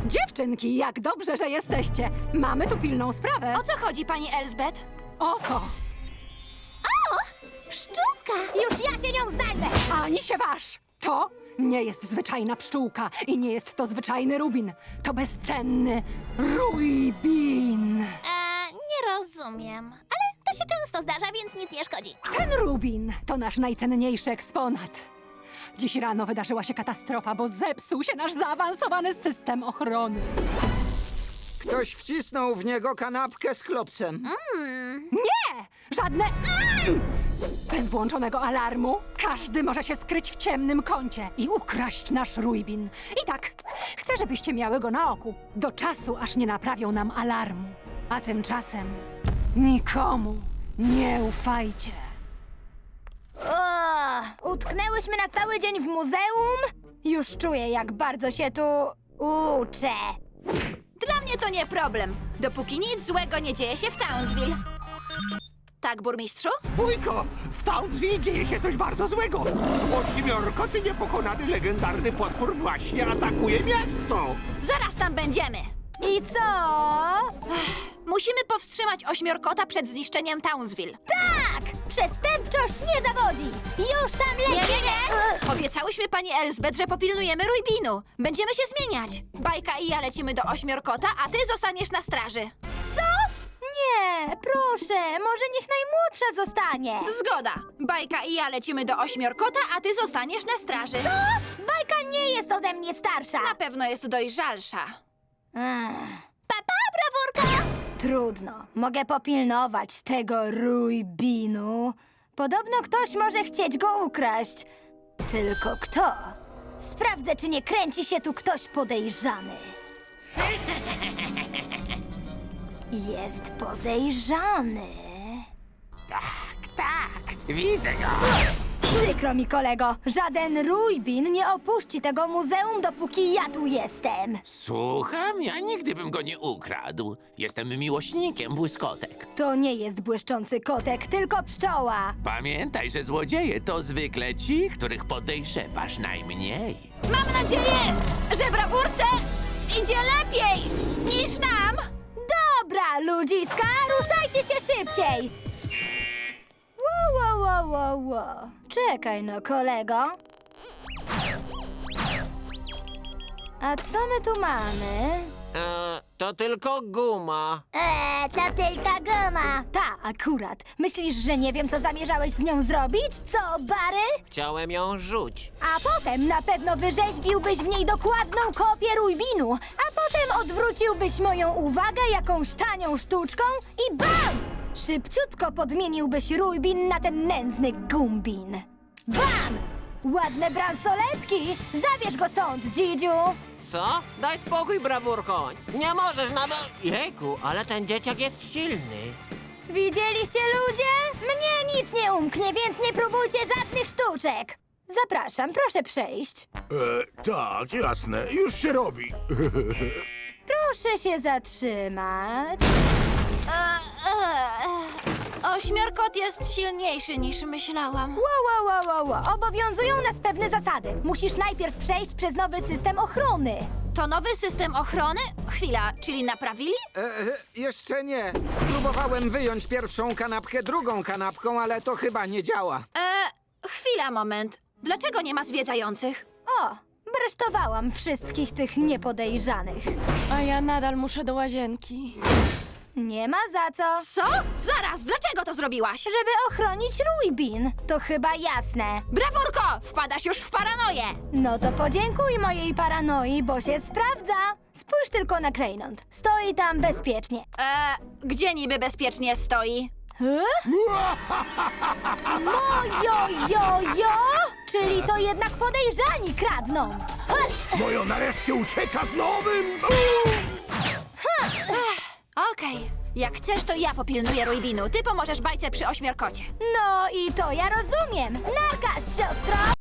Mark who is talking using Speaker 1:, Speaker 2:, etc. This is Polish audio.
Speaker 1: Dziewczynki, jak dobrze, że jesteście. Mamy tu pilną sprawę.
Speaker 2: O co chodzi, pani Elsbeth?
Speaker 1: Oto,
Speaker 3: Pszczółka! Już ja się nią zajmę!
Speaker 1: ani się waż. To nie jest zwyczajna pszczółka i nie jest to zwyczajny rubin. To bezcenny ruibin.
Speaker 3: Nie rozumiem. Ale to się często zdarza, więc nic nie szkodzi.
Speaker 1: Ten rubin to nasz najcenniejszy eksponat. Dziś rano wydarzyła się katastrofa, bo zepsuł się nasz zaawansowany system ochrony.
Speaker 4: Ktoś wcisnął w niego kanapkę z klopsem.
Speaker 1: Nie! Żadne... Bez włączonego alarmu każdy może się skryć w ciemnym kącie i ukraść nasz ruibin. I tak, chcę, żebyście miały go na oku. Do czasu, aż nie naprawią nam alarmu. A tymczasem nikomu nie ufajcie.
Speaker 3: Utknęłyśmy na cały dzień w muzeum? Już czuję, jak bardzo się tu uczę.
Speaker 2: Dla mnie to nie problem, dopóki nic złego nie dzieje się w Townsville. Tak, burmistrzu?
Speaker 5: Wujko, w Townsville dzieje się coś bardzo złego. Ośmiorkoty niepokonany legendarny potwór właśnie atakuje miasto.
Speaker 2: Zaraz tam będziemy.
Speaker 3: I co?
Speaker 2: Musimy powstrzymać ośmiorkota przed zniszczeniem Townsville.
Speaker 3: Tak! Przestępczość nie zawodzi! Już tam
Speaker 2: Nie,
Speaker 3: lecimy!
Speaker 2: nie, nie! Obiecałyśmy pani Elsbeth, że popilnujemy ruibinu. Będziemy się zmieniać. Bajka i ja lecimy do ośmiorkota, a ty zostaniesz na straży.
Speaker 3: Co? Nie, proszę, może niech najmłodsza zostanie.
Speaker 2: Zgoda. Bajka i ja lecimy do ośmiorkota, a ty zostaniesz na straży.
Speaker 3: Bajka nie jest ode mnie starsza.
Speaker 2: Na pewno jest dojrzalsza.
Speaker 3: Papa, brawurka! Trudno, mogę popilnować tego ruibinu. Podobno ktoś może chcieć go ukraść. Tylko kto? Sprawdzę, czy nie kręci się tu ktoś podejrzany. Jest podejrzany.
Speaker 5: Tak, widzę go.
Speaker 3: Przykro mi, kolego. Żaden ruibin nie opuści tego muzeum, dopóki ja tu jestem.
Speaker 6: Słucham, ja nigdy bym go nie ukradł. Jestem miłośnikiem błyskotek.
Speaker 3: To nie jest błyszczący kotek, tylko pszczoła.
Speaker 6: Pamiętaj, że złodzieje to zwykle ci, których podejrzewasz najmniej.
Speaker 2: Mam nadzieję, że brawurce idzie lepiej niż nam.
Speaker 3: Dobra, ludziska, ruszajcie się szybciej! Wow. Czekaj no, kolego. A co my tu mamy?
Speaker 7: To tylko guma.
Speaker 3: To tylko guma. Ta, akurat. Myślisz, że nie wiem, co zamierzałeś z nią zrobić? Co, Bary?
Speaker 7: Chciałem ją rzuć.
Speaker 3: A potem na pewno wyrzeźbiłbyś w niej dokładną kopię ruibinu, a potem odwróciłbyś moją uwagę jakąś tanią sztuczką i bam! Szybciutko podmieniłbyś ruibin na ten nędzny gumbin. Bam! Ładne bransoletki! Zabierz go stąd, Dzidziu!
Speaker 7: Co? Daj spokój, brawurko. Nie możesz nawet... Jejku, ale ten dzieciak jest silny.
Speaker 3: Widzieliście, ludzie? Mnie nic nie umknie, więc nie próbujcie żadnych sztuczek! Zapraszam, proszę przejść.
Speaker 5: Tak, jasne, już się robi.
Speaker 3: Proszę się zatrzymać.
Speaker 2: Ośmiorkot jest silniejszy niż myślałam.
Speaker 3: Wow. Obowiązują nas pewne zasady. Musisz najpierw przejść przez nowy system ochrony.
Speaker 2: To nowy system ochrony? Chwila, czyli naprawili?
Speaker 4: Jeszcze nie. Próbowałem wyjąć pierwszą kanapkę drugą kanapką, ale to chyba nie działa.
Speaker 2: Chwila, moment. Dlaczego nie ma zwiedzających?
Speaker 3: O, bresztowałam wszystkich tych niepodejrzanych.
Speaker 8: A ja nadal muszę do łazienki.
Speaker 3: Nie ma za co.
Speaker 2: Co? Zaraz, dlaczego to zrobiłaś?
Speaker 3: Żeby ochronić ruibin. To chyba jasne.
Speaker 2: Brawurko! Wpadasz już w paranoję!
Speaker 3: No to podziękuj mojej paranoi, bo się sprawdza. Spójrz tylko na klejnot. Stoi tam bezpiecznie.
Speaker 2: Gdzie niby bezpiecznie stoi?
Speaker 3: Mojo! Czyli to jednak podejrzani kradną.
Speaker 5: Mojo nareszcie ucieka z nowym...
Speaker 2: Okej. Jak chcesz, to ja popilnuję ruibinu. Ty pomożesz bajce przy ośmiorkocie.
Speaker 3: No i to ja rozumiem. Narka, siostro!